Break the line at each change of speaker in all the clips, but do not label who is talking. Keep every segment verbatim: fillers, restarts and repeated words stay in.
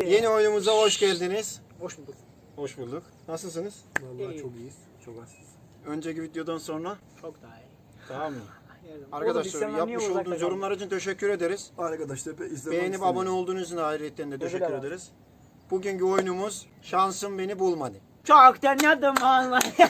Yeni oyunumuza hoş geldiniz.
Hoş bulduk.
Hoş bulduk. Nasılsınız?
Vallahi
İyi.
çok iyiyiz. Çok azsız.
Önceki videodan sonra
Çok daha iyi.
daha mı?
Oğlum,
Arkadaşlar
biz senden niye
yapmış
uzakta
olduğunuz
kaldık?
yorumlar için teşekkür ederiz.
Arkadaşlar izlemek
Beğenip
istemiyorum.
abone olduğunuz için ayrıca de teşekkür
Ödül
ederiz. Bugünkü oyunumuz Şansım Beni Bulmadı.
Çok denedim vallahi.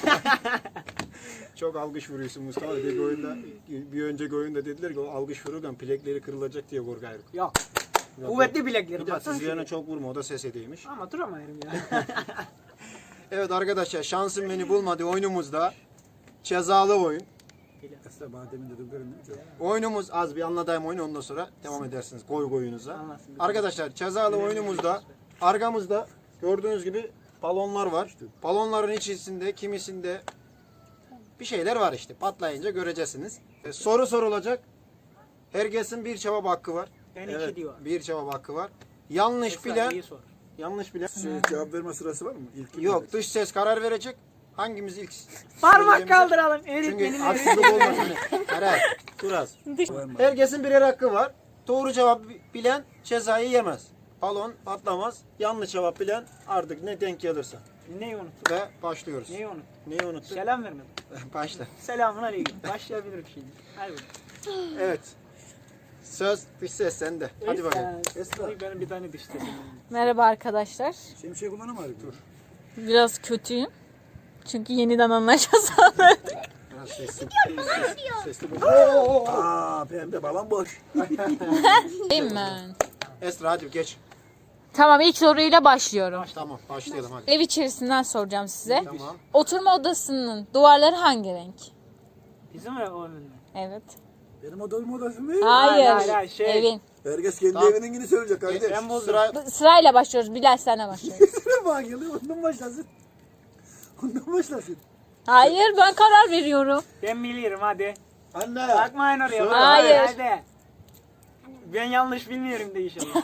Çok alkış vuruyorsun Mustafa. Bir oyunda, bir önceki oyunda dediler ki o alkış vururken plekleri kırılacak diye korkuyorum.
Yok. Kuvvetli bileklerim.
Bir de
baksana
sizlerine
şöyle.
çok vurma, o da ses edeymiş.
Ama duramayırım ya.
Evet arkadaşlar, Şansım Beni Bulmadı oyunumuzda cezalı oyun.
Esra bana demin dedim görünmüyor.
Oyunumuz az bir anlatayım oyunu, ondan sonra devam edersiniz koy koyunuza.
Anlatsın.
Arkadaşlar cezalı oyunumuzda arkamızda gördüğünüz gibi balonlar var. Balonların içerisinde kimisinde bir şeyler var işte. Patlayınca göreceksiniz. E, soru sorulacak. Herkesin bir cevap hakkı var.
Ben iki diyor.
bir cevap hakkı var. Yanlış
Esra,
bilen,
iyi sor.
yanlış bilen
Şey, cevap verme sırası var mı? İlk
yok, dış ses karar verecek. Hangimiz ilk
Parmak
söyleyeceğimize-
kaldıralım.
Çünkü
Öğretmenim
haksızlık olmasın. Karar. Dur az. Herkesin birer hakkı var. Doğru cevap bilen cezayı yemez. Balon patlamaz. Yanlış cevap bilen artık ne denk gelirse.
Neyi unuttun?
Ve başlıyoruz.
Neyi unuttun?
Neyi unuttuk?
Selam vermedim.
Başla.
Selamun aleyküm. Başlayabilirim şimdi. Hadi.
Evet. Söz dış ses sende. Hadi bakalım.
Esra.
Esra. Benim bir tane diş sesim.
Merhaba arkadaşlar.
Şemsiye kullanamıyor dur.
Biraz kötüyüm. Çünkü yeniden anlaşacağız.
Biraz sesli. Sesli. Oo.
Aa pembe balon boş.
Değil mi?
Esra hadi geç.
Tamam, ilk soruyla başlıyorum.
Tamam başlayalım hadi.
Ev içerisinden soracağım size.
Tamam.
Oturma odasının duvarları hangi renk?
Bizim ev onun mu?
Evet.
Benim odamın odası mı?
Hayır.
hayır, hayır, şey-
Evin.
Herkes kendi
Tamam.
evinin yine söyleyecek kardeş.
Ben bozdum.
Sıra
Bu- Sırayla başlıyoruz. Bilal senle başlıyoruz.
Sıra bana geliyor. Ondan başlasın. Ondan başlasın.
Hayır, ben karar veriyorum.
Ben bilirim hadi.
anne.
Bakmayın oraya.
Söyle.
Hayır.
Hadi. Ben yanlış bilmiyorum de inşallah.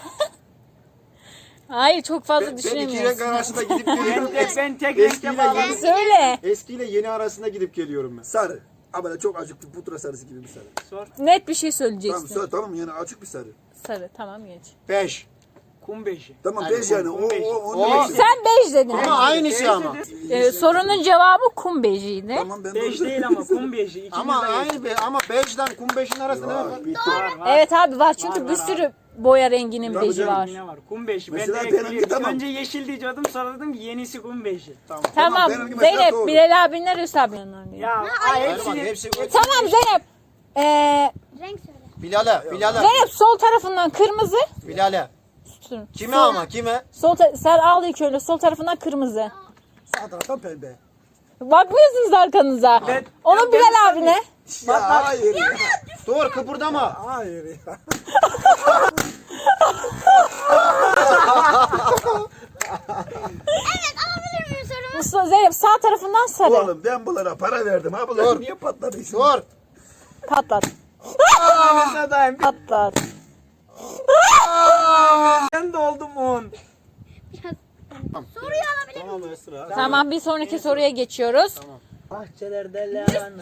Hayır, çok fazla
Ben, ben iki renk
düşünemiyorsun.
arasında gidip geliyorum.
ben, de, ben tek renkte
Eskiyle
bağladım.
yeni,
Söyle.
eskiyle yeni arasında gidip geliyorum ben.
Sarı. Ama böyle çok acık bir pudra sarısı gibi bir sarı.
Sor.
Net bir şey
Tamam
söyleyeceksin.
sarı tamam yani açık bir sarı.
Sarı, tamam geç.
Beş.
Kum beşi.
Tamam
Hadi,
beş yani. O,
on beş.
o,
O-
onu bekliyorum.
Sen bej dedin.
Ama aynısı ama.
Ee, sorunun cevabı kum bejiydi.
Tamam ben
Beş
doğru
değil ama kum beşi. İkimiz
Ama
de
aynı be, ama beşten kum beşin arasında ne var?
Var, bitti.
Var, var.
Evet abi, var çünkü
Var,
bir
var
sürü boya renginin
Tabii
beji
canım,
var.
Yine var. Kum beşi. Ben
Mesela
direkt
benimki
biliyorum.
tamam.
Önce yeşil diyordum, sonra dedim ki yenisi kum beşi.
Tamam.
Tamam,
benimki mesela
Zeynep,
doğru.
Bilal abinler Hüsabi'nin örneği.
Ya ay,
Hadi bak,
hepsini.
hepsi
Tamam Zeynep. Ee,
Renk söyle.
Bilal'e, Bilal'e,
Zeynep sol tarafından kırmızı.
Bilal'e.
Dur.
Kime ama kime?
Sol ta- sen al ilk öyle, sol tarafından kırmızı.
Sağ taraftan pembe.
Bakmıyorsunuz arkanıza.
Ben-
Onun
ben-
Bilal
ben-
abine.
Ya hayır ya.
Dur kıpırdama.
Hayır ya.
Evet alabilir miyim sorumu?
Mustafa, Zeynep sağ tarafından sarı.
Oğlum ben bunlara para verdim. Ha bunlar
Dur.
niye patladı şimdi?
Dur.
Patlat.
Sadayım.
Patlat.
Ben de oldum on.
Soruyu alabilir miyim?
Tamam Esra.
Tamam, bir sonraki soruya geçiyoruz.
Bahçelerde lahana.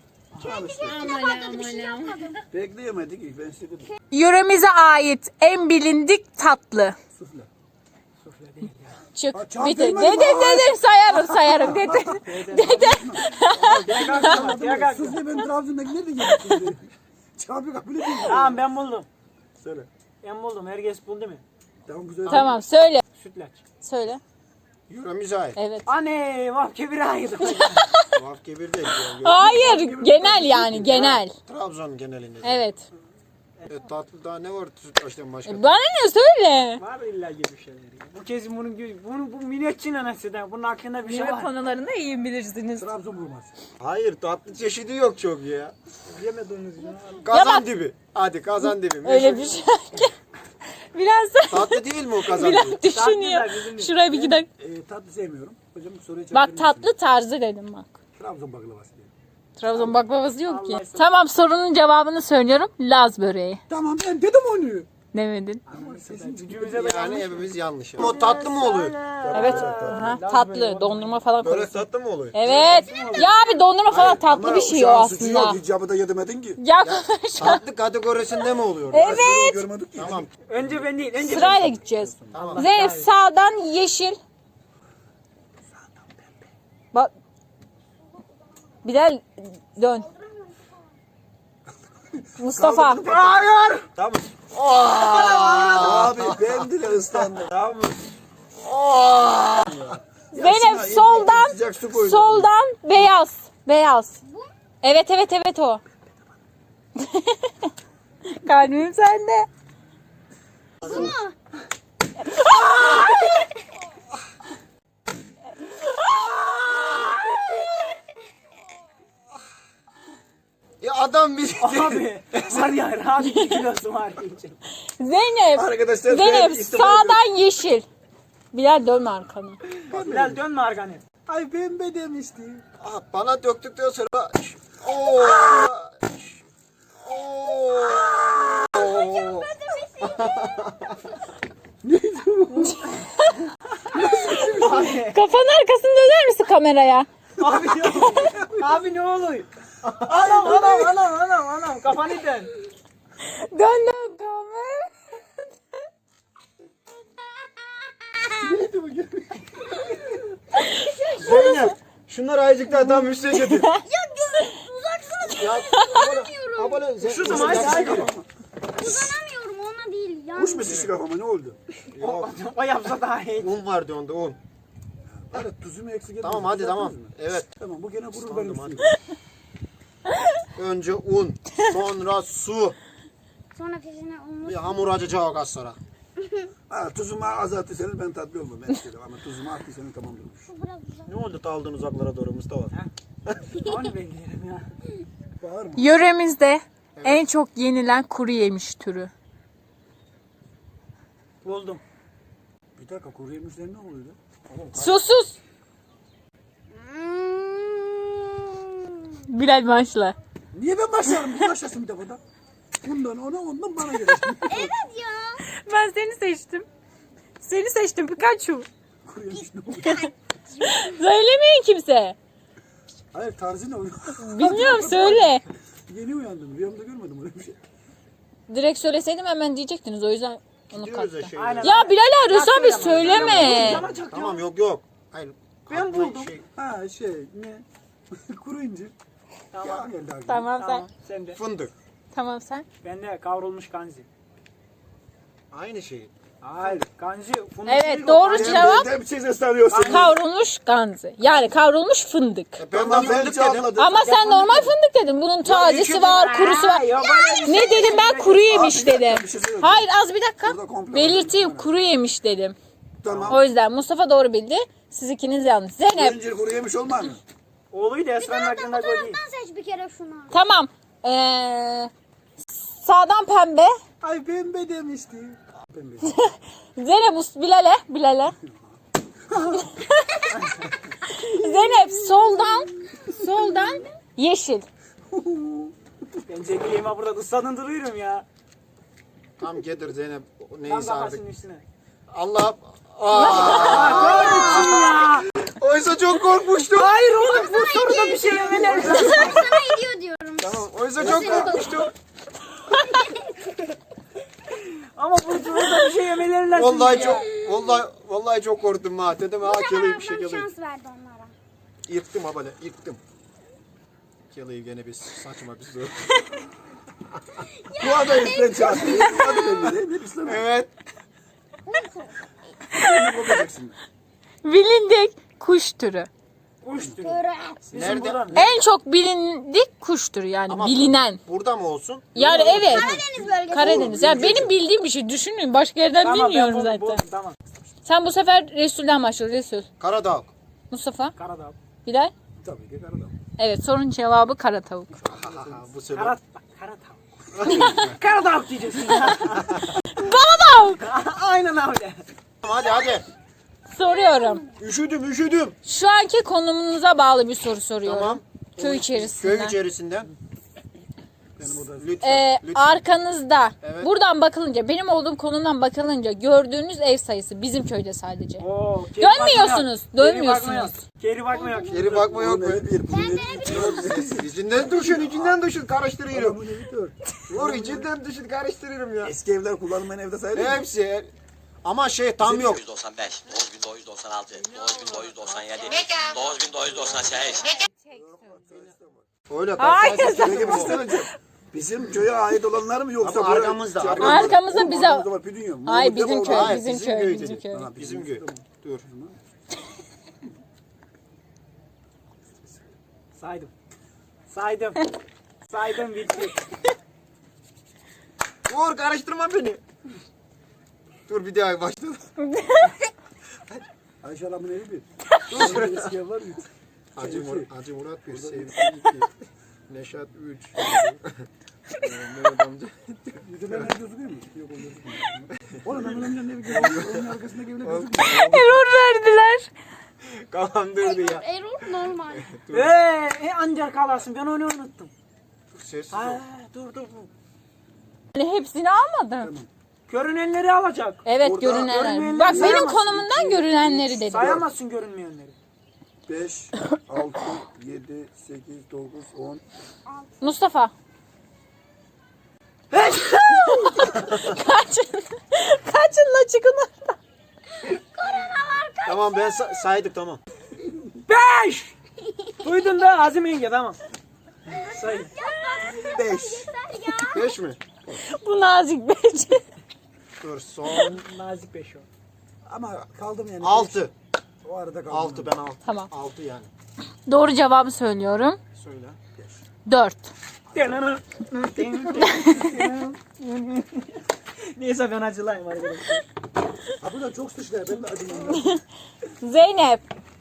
Bekleyemedik ilk ben size dedim.
Yöremize ait en bilindik tatlı.
Sufle.
Çık.
Ha, çam
Bitir.
değmez
Dedim
mi?
dedim sayarım sayarım dedim. Dedim.
Gel kalk. Gel kalk.
Sufle ben Trabzon'daki nerede yedim şimdi? Çabuk kabul edeyim.
Tamam ben buldum.
Söyle.
Ben buldum. Herkes buldu mu?
Tamam güzel.
Tamam söyle.
Sütlaç.
Söyle.
Yürümüze ait.
Evet.
Anne vah kebire ait.
Tuhaf kebir değil.
Hayır, genel yani genel.
Trabzon genelinde.
Evet.
Evet, tatlı daha ne var sütlaçtan başka?
Bana ne söyle?
Var illa gibi bir şeyler. ya. Bu kez bunun gibi, bunu bu minnetçin anası da bunun hakkında bir şey
Yemek
var.
konularında iyi bilirsiniz.
Trabzon vurmaz.
Hayır, tatlı çeşidi yok çok ya.
Yemediğiniz gibi.
Kazan
bak-
dibi. Hadi kazan dibi.
Öyle
Meşhur-
bir şey. Biraz
Tatlı değil mi o kazan dibi?
biraz düşünüyor.
Tatlılar bizim de.
Şuraya bir gidelim.
Ee, tatlı sevmiyorum. Hocam soruya cevap
Bak
verir misin?
tatlı tarzı dedim bak.
Trabzon baklavası diye.
Trabzon baklavası yok ki.
Allah
Tamam, sorunun cevabını söylüyorum. Laz böreği.
Tamam ben dedim onu.
Demedin.
Gücümüze de
Yani hepimiz yanlış. O tatlı mı oluyor?
Evet. Aha, tatlı. Dondurma falan
Böyle
koyuyorsun.
tatlı mı oluyor?
Evet. Ya abi dondurma falan tatlı bir şey o aslında.
Hiç yapıda yedemedin ki.
Ya konuş.
Tatlı kategorisinde mi oluyor?
Evet.
Görmedik ki.
Tamam.
Önce ben değil. Önce
Sırayla gideceğiz.
Tamam.
Zeynep sağdan yeşil. Bak. Bilal dön. Mustafa.
Hayır.
Tamam.
Abi ben bile ıslandım.
Tamam.
Zeynep soldan.
Sıcak su koydum.
Soldan beyaz. Beyaz. Evet evet evet o. Kalbim sende.
Ya adam bir
Abi var ya rahat iki kilosu var diyecek.
Zeynep.
Arkadaşlar
Zeynep
ben istemem-
sağdan yeşil. Bilal dönme arkana.
Bilal dönme arkanı.
Ay pembe demişti.
Aa, bana döktükten sonra Oo. Oo.
Kafanın arkasını döner misin kameraya?
Abi ne oluyor? Abi ne oluyor? Anam anam anam anam anam kafanı dön.
Dön dön kamera.
Zeynep. Şunları ayıcık daha tam üstüne getir.
Ya gö uzaksana.
Ya abone abone
Şu zaman hadi hadi.
Uzanamıyorum ona değil. Yani.
Kuş mu şişi kafama ne oldu?
Yok.
O yapsa daha iyi.
Un vardı onda un.
Evet tuzumu eksik etmedim.
Tamam hadi tamam.
Düzelttiniz mi?
Evet.
Tamam bu gene vurur
Islandım,
benim
hadi.
üstüme.
Önce un, sonra su.
Sonra peşine olmuş.
Bir hamur açacak az sonra.
Ha, tuzumu azaltırsanız ben tatlı olmam. Ben istedim ama tuzumu arttıysanız tamam durmuş.
Şu biraz uzak.
Ne oldu da aldın uzaklara doğru Mustafa?
Onu bekleyelim ya.
Bağırma.
Yöremizde en çok yenilen kuru yemiş türü.
Buldum.
Bir dakika kuru yemişler ne oluyor?
Sus sus.
Hmm.
Bilal başla.
Niye ben başlarım? Bir başlasın bir defa da. Bundan ona ondan bana göre.
Evet ya.
Ben seni seçtim. Seni seçtim Pikachu.
Kuru yemiş ne oluyor?
Söylemeyin kimse.
Hayır tarzı ne oluyor?
Bilmiyorum söyle.
Yeni uyandım. Rüyamda görmedim öyle bir şey.
Direkt söyleseydim hemen diyecektiniz o yüzden onu
Gidiyoruz ya
kattım.
şey.
Aynen.
Ya Bilal arıyorsa
Ya
bir
söyleme.
söyleme.
Yanacak
Tamam
ya.
yok yok. Hayır.
Ben
aklına
buldum.
Şey,
Ha şey ne? Kuru incir.
Tamam.
Ya geldi aklıma.
Tamam sen.
Tamam sen de.
fındık.
Tamam sen.
Ben de kavrulmuş kanzi.
Aynı şey.
Hayır kanzi. fındık
Evet,
değil o,
doğru
kanzi.
cevap.
Ben de bir şey sesleniyorsun.
Kavrulmuş ganzi. Yani kavrulmuş fındık.
E, ben de fındık dedim.
Ama sen normal fındık dedin. Bunun tazesi var, kurusu var.
Yok öyle bir şey.
Ne dedim ben kuru yemiş dedim.
bir şey söyleyeyim.
Hayır az bir dakika.
Burada komple
Belirteyim
var.
kuru yemiş dedim.
Tamam.
O yüzden Mustafa doğru bildi. Siz ikiniz yanlış.
Kuru
Zeynep
incir kuru yemiş olmaz mı?
Oğluydu Esra'nın aklında koy değil.
Sen seç bir kere şunu.
tamam. Ee, sağdan pembe.
Ay pembe demişti. Pembe.
Zeynep Mus- Bilal'e. Bilal'e. Zeynep soldan. Soldan yeşil.
Ben çekileyim burada ısladın duruyorum ya.
Tam getir Zeynep.
Tam
Neyse artık.
kafasının üstüne.
Allah. Aa,
Ya.
oysa çok korkmuştum.
Hayır oğlum bu soruda bir şey yemeler.
Sana ediyor diyorum.
Tamam. Oysa çok korkmuştum.
Ama bu soruda bir şey yemeleri lazım.
Vallahi
ya.
çok vallahi vallahi çok korktum ha. Dedim ha keleyim bir şey
Bana
keleyim.
şans verdi onlara.
Yıktım ha böyle yıktım. Keleyim gene bir saçma bir soru.
Bu adam üstten çarptı. Hadi ben vereyim. Hep üstten ver.
Evet.
Ne kopacaksın?
Bilindik kuş türü.
Kuş türü.
Göre.
Bizim
Nerede?
buradan-
En çok bilindik kuş türü yani
Ama
bilinen.
Burada mı olsun?
Yani evet.
Karadeniz bölgesi.
Karadeniz. Yani benim bildiğim bir şey. Düşünün. Başka yerden
Tamam, ben
bilmiyorum
buldum,
zaten.
buldum, Tamam.
Sen bu sefer Resul'den başla. Resul.
Karadağ.
Mustafa.
Karadağ.
Bilal.
Tabii ki karadağ.
Evet sorun cevabı kara tavuk.
Bu sefer.
Karat. Karadağ. Karadağ diyeceksin.
Bana tavuk.
Aynen öyle.
Hadi hadi.
Soruyorum.
Üşüdüm üşüdüm.
Şu anki konumunuza bağlı bir soru soruyorum.
Tamam.
Köy içerisinden.
Köy içerisinden.
Benim odam.
Lütfen.
Ee,
lütfen.
arkanızda
Evet.
buradan bakılınca benim olduğum konumdan bakılınca gördüğünüz ev sayısı bizim köyde sadece.
Oo, geri
Dönmüyorsunuz,
bakma yok.
dönmüyorsunuz.
Geri bakma yok.
Geri bakma yok
Bunun
mu?
evi bir. Bunun evi bir.
İçinden düşün, içinden düşün. Karıştırıyorum.
Bunun evi dört.
Vur içinden düşün, karıştırıyorum ya.
Eski evler kullanılmayan evde sayılır mı?
Hepsi. Ama şey tam yok.
dokuz yüz doksan beş, dokuz bin dokuz yüz doksan altı, dokuz bin dokuz yüz doksan yedi, dokuz bin dokuz yüz doksan sekiz.
Öyle
Hayır,
tam
Peki bir şey söyleyeceğim. Bizim köye ait olanlar mı yoksa
Ama
buraya-
arkamızda,
Şey,
arkamızda.
Arkamızda
Oğlum,
bize-
arkamızda var, bir dünya.
Ay
Mahmut
bizim
Defa
köy,
orada.
Hayır,
bizim
bizim
köy,
köy
bizim
dedi.
köy.
Ha,
Bizim köy. Dur.
Saydım. Saydım. Saydım bitti.
Vur, karıştırma beni. Dur bir daha başla.
Ayşe Hanım'ın evi bir.
Dur.
Eski ev var mı?
Hacı, Mur Hacı Murat bir, Sevgi iki, Neşat üç. Mehmet amca.
Yüzünden ev gözüküyor mu? Yok o gözükmüyor. Oğlum Mehmet amcanın evi gözüküyor. Onun arkasındaki evine gözükmüyor.
Error verdiler.
Kafam durdu ya.
Erol normal.
Eee e, ancak kalasın ben onu unuttum.
Dur, sessiz ol.
Ha, dur dur dur.
Yani hepsini almadım.
Görünenleri alacak.
Evet
Orada
görünenler.
görünmeyenleri
Bak benim
sayamazsın.
konumumdan görünenleri dedim.
Sayamazsın görünmeyenleri.
beş, altı, yedi, sekiz, dokuz, on.
Mustafa. Kaçın. Kaçın la çıkın oradan.
Tamam ben sa- saydık tamam.
Beş! Duydun da Azim yenge tamam. Say.
beş.
Beş mi?
Bu nazik beş.
Dur son.
Nazik beş o.
Ama kaldım yani.
Altı.
O arada kaldım.
Altı ben altı.
Tamam.
Altı yani.
Doğru cevabı söylüyorum.
Söyle.
Dört.
Neyse ben acılayım arkadaşlar.
Ha bu da çok sıçlar. Ben de acımam.
Zeynep.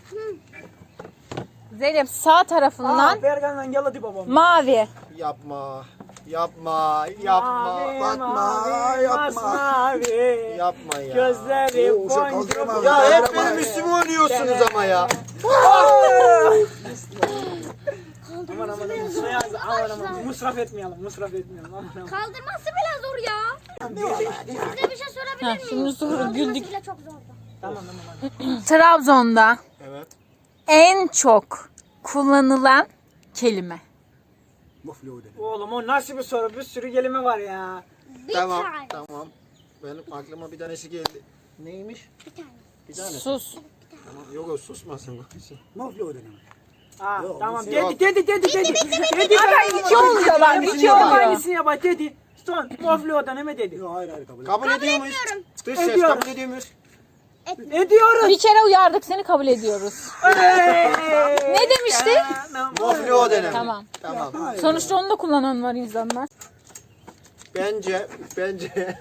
Zeynep sağ tarafından
Aa, Bergan'dan yaladı babam.
mavi.
Yapma. Yapma. Yapma.
Mavi,
Bakma,
mavi,
yapma.
masmavi.
Yapma ya.
Gözleri
Oo, uşak
boncuk.
kaldıramam.
Ya hep benim üstüme oynuyorsunuz ama ya.
Aman aman aman. Suya aman aman. Musraf etmeyelim. Musraf etmeyelim. Aman aman.
Kaldırması bile zor ya. Size bir şey sorabilir
Ha,
miyim?
şimdi sonra
Kaldırması
güldük.
bile çok zordu.
Tamam tamam.
Trabzon'da
Evet.
en çok kullanılan kelime.
Muflu dedi.
Oğlum o nasıl bir soru? Bir sürü kelime var ya.
Bir
Tamam.
tane.
Tamam. Benim aklıma bir tanesi geldi. Neymiş?
Bir tane.
Bir tane.
Sus.
Tamam. Yok o susmasın.
Muflu dedi.
Ha
Yok,
tamam
bir
dedi dedi dedi dedi. Dedi.
iki oluyor bak, iki
Hepsini yap,
oluyor.
Aynısını yap dedi. Son moflodan hemen dedi.
Yok hayır hayır kabul et.
Kabul ediyor muyuz?
etmiyorum.
Dış ses
Ediyorum.
kabul ediyor muyuz?
Ediyoruz.
Bir kere uyardık seni kabul ediyoruz. Ne demişti?
Moflo denen.
Tamam.
Tamam.
Hayır.
Sonuçta onu da kullanan var insanlar.
Bence, bence.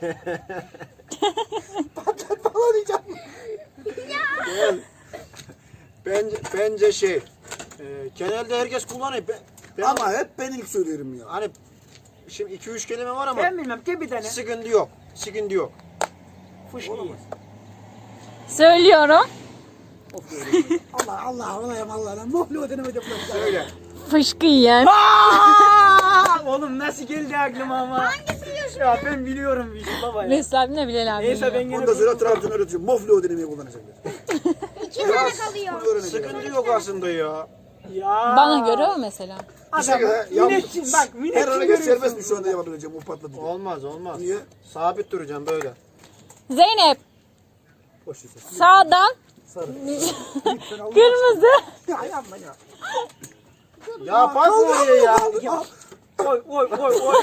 Gel. Bence, bence şey. E, genelde herkes kullanıyor. Ben, ben-
Ama hep ben ilk söylüyorum ya.
hani şimdi iki üç kelime var ama
Ben bilmem ki bir tane.
sıkıntı yok. Sıkıntı yok.
Fuş iyi.
Söylüyorum.
Allah Allah Allah'ım Allah'ım. Muflu denemedi.
Söyle.
Fışkı yiyen.
Aa! Oğlum nasıl geldi aklıma ama.
Hangisi diyorsun?
Ya ben biliyorum bir şey baba ya.
Mesut abi ne Bilal abi.
Neyse ben
biliyor.
gene
Ondan sonra Trabzon öğretiyor. Muflu denemeyi kullanacaklar.
İki tane kalıyor.
Bunu öğrenecekler.
Sıkıntı yok aslında ya.
Ya.
Bana göre o mesela.
Bir şekilde
Adam,
ya,
Minetçin bak
her
minetçin
hareket serbest mi
görüyorsun.
şu anda yapabileceğim? O patladı.
Olmaz olmaz.
Niye?
Sabit duracağım böyle.
Zeynep
Boş ver.
sağdan
Sarı.
kırmızı.
Ya yapma ya.
Ya bak oraya ya.
Oy oy oy oy.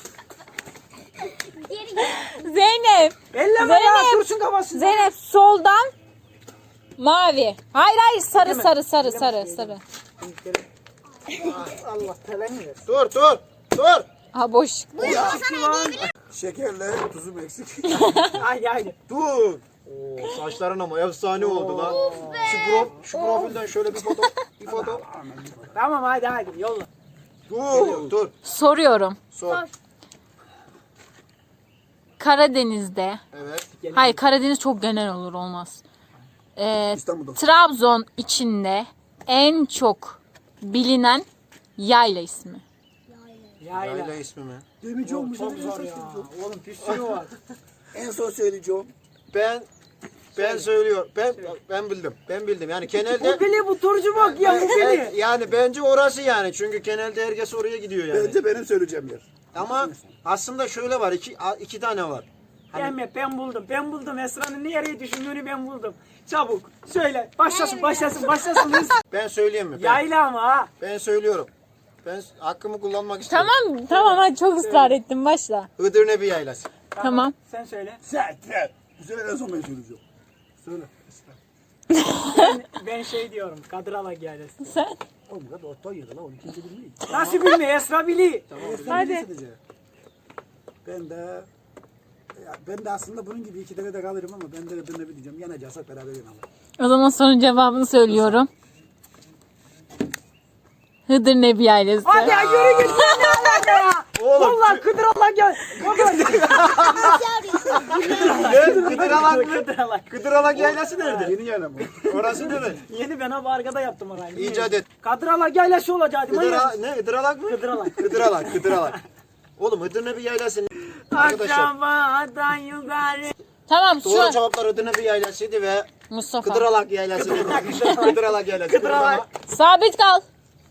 Geri gel.
Zeynep.
Elleme ya
Zeynep.
dursun kafasında.
Zeynep soldan mavi. Hayır hayır sarı sarı sarı sarı sarı.
Allah belanı versin.
Dur dur dur.
Ha boş.
Şekerle tuzum eksik.
Haydi haydi.
Dur. Oo, saçların ama efsane oldu lan. Şu, prof, şu profilden şöyle bir foto. Bir foto.
Tamam haydi haydi yolla.
Dur dur.
Soruyorum.
Sor.
Karadeniz'de.
Evet.
Hayır Karadeniz çok genel olur olmaz. Ee,
İstanbul'da.
Trabzon içinde en çok bilinen yayla ismi.
Yayla.
Yayla ismi mi?
Demeyeceğim.
Çok zor ya. Oğlum bir sürü var.
En son söyleyeceğim.
Ben ben söylüyorum. Ben ben bildim. Ben bildim. Yani genelde
Bu bile bu turcu bak ya bu
Evet,
bile.
yani bence orası yani. Çünkü genelde herkes oraya gidiyor yani.
Bence benim söyleyeceğim yer.
Ama aslında şöyle var. iki iki tane var.
Gelme ben buldum. Ben buldum. Esra'nın nereye düşündüğünü ben buldum. Çabuk söyle. Başlasın başlasın başlasın. Hız.
Ben söyleyeyim mi? Ben,
Yayla ama ha.
ben söylüyorum. Ben hakkımı kullanmak istiyorum.
Tamam tamam hadi çok ısrar ettim başla.
Iğdır Nebi Yaylası.
Tamam.
Sen söyle.
Sen, sen. Bu sefer en son ben söyleyeceğim. Söyle.
Ben, ben şey diyorum. Kadrala gelirsin.
Sen.
Oğlum kadar orta yedi lan. Onu kimse bilmiyor.
Nasıl bilme Esra bili.
Hadi.
Ben de ya ben de aslında bunun gibi iki tane de kalırım ama ben de ben de bir diyeceğim. Yanacaksak beraber yanalım.
O zaman sorunun cevabını söylüyorum. Hıdır Nebi Yaylası.
Hadi ya yürü git. Sen ne alaka ya?
Oğlum.
Vallahi Kıdıral'a gel. Baba.
Kıdıralak mı?
Kıdıral'a.
Kıdıralak Yaylası nerede?
Yeni yana mı?
Orası nerede?
Yeni ben abi arkada yaptım orayı.
İcat et.
Kadrala yaylası olacaktı.
Kıdıra, ne? Kıdıralak mı?
Kıdıralak.
Kıdıralak. Kıdıralak. Oğlum Hıdır Nebi Yaylası arkadaşlar.
Aşağıdan yukarı.
Tamam şu
Doğru
an.
cevaplar Hıdır Nebi Yaylası'ydı ve
Mustafa.
Kıdıralak Yaylası. Kıdıralak Yaylası.
Kıdıralak.
Sabit kal.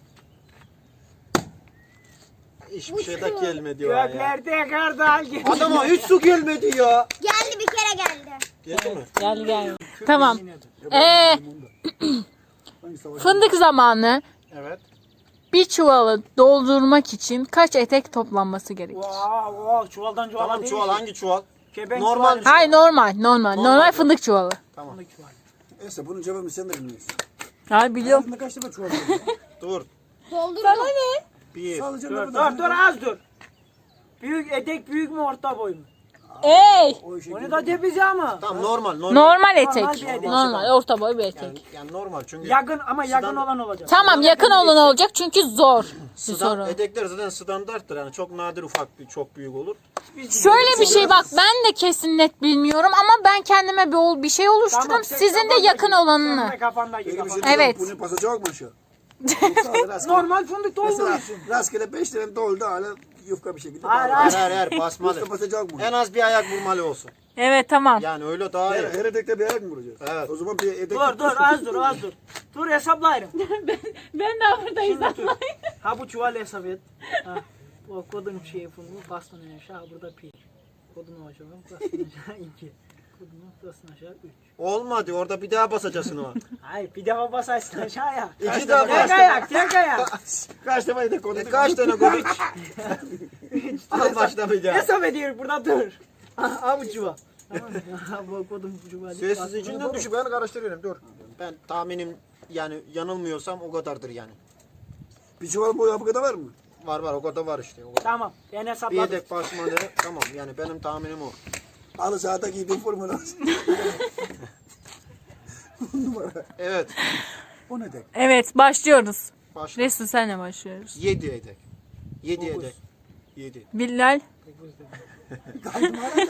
Hiçbir şey de gelmedi o ya.
Göklerde kartal gibi.
Adama hiç su gelmedi ya.
Geldi bir kere geldi.
Geldi mi?
Gel gel. Tamam. Ee, fındık zamanı
Evet.
bir çuvalı doldurmak için kaç etek toplanması gerekir?
Wow, wow, çuvaldan çuvala
Tamam
değil.
çuval hangi çuval?
Kebenk
Normal
çuvalı.
Hayır normal normal. Normal,
Normal.
fındık çuvalı.
Fındık çuvalı.
Neyse bunun cevabını sen de bilmiyorsun.
Hayır biliyorum.
Aslında kaç defa çuval
Dur.
Doldurdum.
Bir.
Sadece
Dur,
ne
dur,
kadar?
dur az dur. Büyük etek büyük mü orta boy mu?
Ey!
O işe
Onu da cebize ama.
Tamam normal normal.
Normal
bir
etek.
etek.
Normal orta boy bir
Yani,
etek.
yani normal çünkü
Yakın ama yakın
Sıdan-
olan olacak.
Tamam yakın olan olacak çünkü zor bir
Sıdan,
soru.
etekler zaten standarttır yani çok nadir ufak bir çok büyük olur.
Şöyle bir şey bak ben de kesin net bilmiyorum ama ben kendime bir, ol- bir şey oluşturdum.
Tamam, sen
Sizin de
kafandaki-
yakın
sen
olanını.
de kafandaki
Peki bir şey
kafandaki.
Evet.
diyeceğim. Bunu pasacak mı aşağı? Yoksa öyle rastgele-
Normal fındık
Mesela
dolduruyorsun.
rastgele beş tane doldu hala yufka bir şekilde.
Hayır,
bağlı.
Her her her basmalı.
Yoksa pasacak mı?
En az bir ayak vurmalı olsun.
Evet tamam.
Yani öyle daha
Her,
iyi.
her etekte bir ayak mı vuracağız?
Evet.
O zaman bir etek...
Dur dur az dur az dur. Dur hesaplayırım.
Ben de buradayız.
Ha bu çuval hesap et. Ha. O kodun şeyi fındık bastın aşağı burada pi. Kodunu aşağı bastın aşağı iki. Kodunu bastın aşağı üç.
Olmadı orada bir daha basacaksın o.
Hayır bir defa basarsın aşağıya.
İki defa.
Tek ayak tek ayak.
Kaç defa etek koyduk?
E, kaç tane gol? Al başla bir daha.
Hesap ediyor burada dur. Ha bu çuval. Tamam mı? Ha, bu kodun çuvalı.
Sessiz içinden düşüp ben karıştırıyorum dur. Ben tahminim yani yanılmıyorsam o kadardır yani.
Bir çuval boyu bu kadar var mı?
Var var o kadar var işte. O kadar.
Tamam ben
Bir
hesapladım.
yedek basmalı tamam yani benim tahminim o.
Alı sahada giydiğin formu lazım. On numara.
Evet
O ne tek?
Evet başlıyoruz.
başla.
Resul senle başlıyoruz.
Yedi yedek. Yedi yedek. Yedi.
Bilal.
Kaldım hala.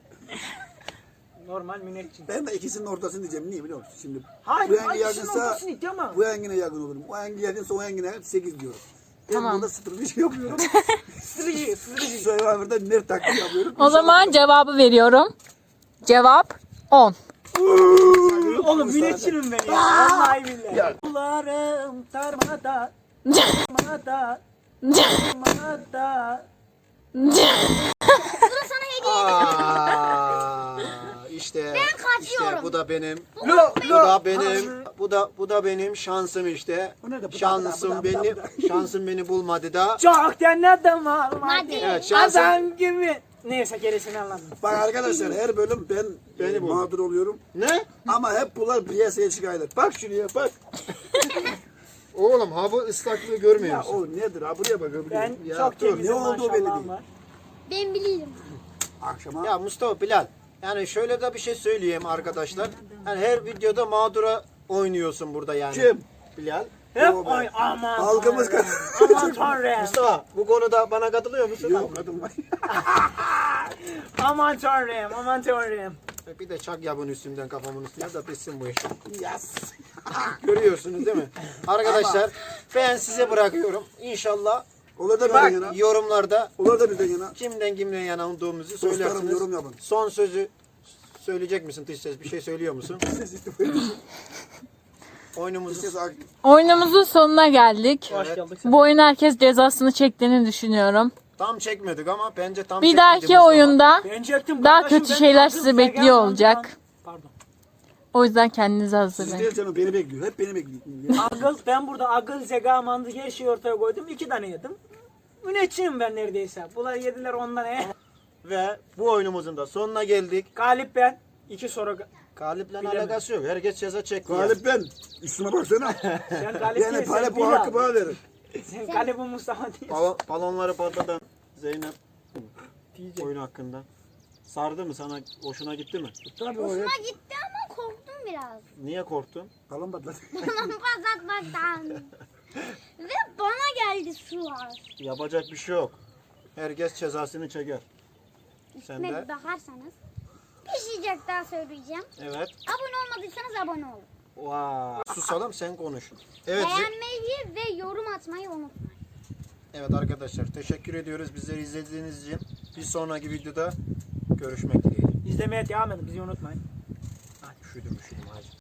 Normal münekçin.
Ben de ikisinin ortasını diyeceğim. Niye biliyor musun? Şimdi
Hayır
bu yenge
ay ikisinin
yakınsa
ortasını it ama.
bu yengine yakın olurum. O yenge yakınsa o yengine sekiz diyorum. Ben
Tamam.
burada sıfır bir şey yapıyorum.
Sırıcı sırıcı.
Survivor'da nerd taklidi yapıyorum.
O zaman cevabı veriyorum. Cevap on.
Oğlum münekçinim ben ya. Vallahi billahi. Kullarım tarmada. Tarmada. Tarmada.
Bu da sana hediye.
Aa, işte
kaçıyorum.
işte bu da benim.
Lo
Bu da benim. Bu da bu da benim şansım işte.
Bu ne de bu da-
Şansım
bu da- bu
beni
da- bu
şansım beni bulmadı da.
Çok denedim almadı.
Hadi.
Evet şansım.
Adam gibi. Neyse gerisini anladım.
Bak arkadaşlar her bölüm ben
Beni
beni
bul.
mağdur oluyorum.
Ne?
Ama hep bunlar piyasaya çıkıyorlar. Bak şuraya bak.
Oğlum ha bu ıslaklığı
Ya
görmüyor musun?
o nedir ha buraya bak. Buraya.
Ben
Ya
çok
dur,
temizim
ne olduğu belli
maşallahım
değil.
var.
Ben bilirim.
Akşama
Ya Mustafa Bilal. Yani şöyle de bir şey söyleyeyim arkadaşlar. Yani her videoda mağdura oynuyorsun burada yani.
Kim?
Bilal.
Hep
Yo be.
oy aman.
Halkımız
tanrım, Aman tanrım.
Mustafa bu konuda bana katılıyor musun?
yok kadın var.
Aman tanrım. Aman tanrım.
Bir de çak ya bunun üstünden kafamın üstüne da bitsin bu iş.
Yes.
Görüyorsunuz değil mi? Arkadaşlar ben size bırakıyorum. İnşallah
Olur da
Bak
bizden yana.
yorumlarda
Olur da bizden yana.
kimden kimden yana olduğumuzu
Dostlarım
söylersiniz.
yorum yapın.
Son sözü söyleyecek misin dış ses? Bir şey söylüyor musun? Oyunumuzu
Ses ak-
Oyunumuzun sonuna geldik.
Hoş
Evet.
geldik.
Bu oyun herkes cezasını çektiğini düşünüyorum.
tam çekmedik ama bence tam
Bir
çekmedi
dahaki
Mustafa.
oyunda
Ben çektim
daha
kardeşim,
kötü
ben
şeyler
aldım,
sizi
Zega
bekliyor
mantıdan-
olacak.
Pardon.
O yüzden kendinizi
Siz
hazırlayın.
değil canım beni bekliyor. Hep beni bekliyor.
Akıl, ben burada akıl, zeka, mantık her şeyi ortaya koydum. İki tane yedim. Müneccim ben neredeyse. Bunlar yediler ondan he.
Ve bu oyunumuzun da sonuna geldik.
Galip ben. İki soru.
Galip'le
Bilemedim.
alakası yok. Herkes ceza çekti.
Galip ben. Üstüme baksana.
Sen galip
Yani
değilsin.
para bu
Bilal.
hakkı bana verin.
Sen galip bu Mustafa değil.
Balon, balonları patlatan Zeynep
Diyecek.
oyun hakkında. Sardı mı sana? Hoşuna gitti mi?
Tabii o ya.
Hoşuma gitti ama korktum biraz.
Niye korktun?
Balon patladı.
Patlatmaktan. Ve bana geldi sular.
Yapacak bir şey yok. Herkes cezasını çeker. Sen
Üstüme
de.
bir bakarsanız. Bir şey daha söyleyeceğim.
Evet.
Abone olmadıysanız abone olun.
Vay. Susalım sen konuş. Evet. Ze-
Beğenmeyi ve yorum atmayı unutmayın.
Evet arkadaşlar teşekkür ediyoruz bizleri izlediğiniz için. Bir sonraki videoda görüşmek dileğiyle.
İzlemeye devam edin. Bizi unutmayın.
Üşüdüm üşüdüm hacı.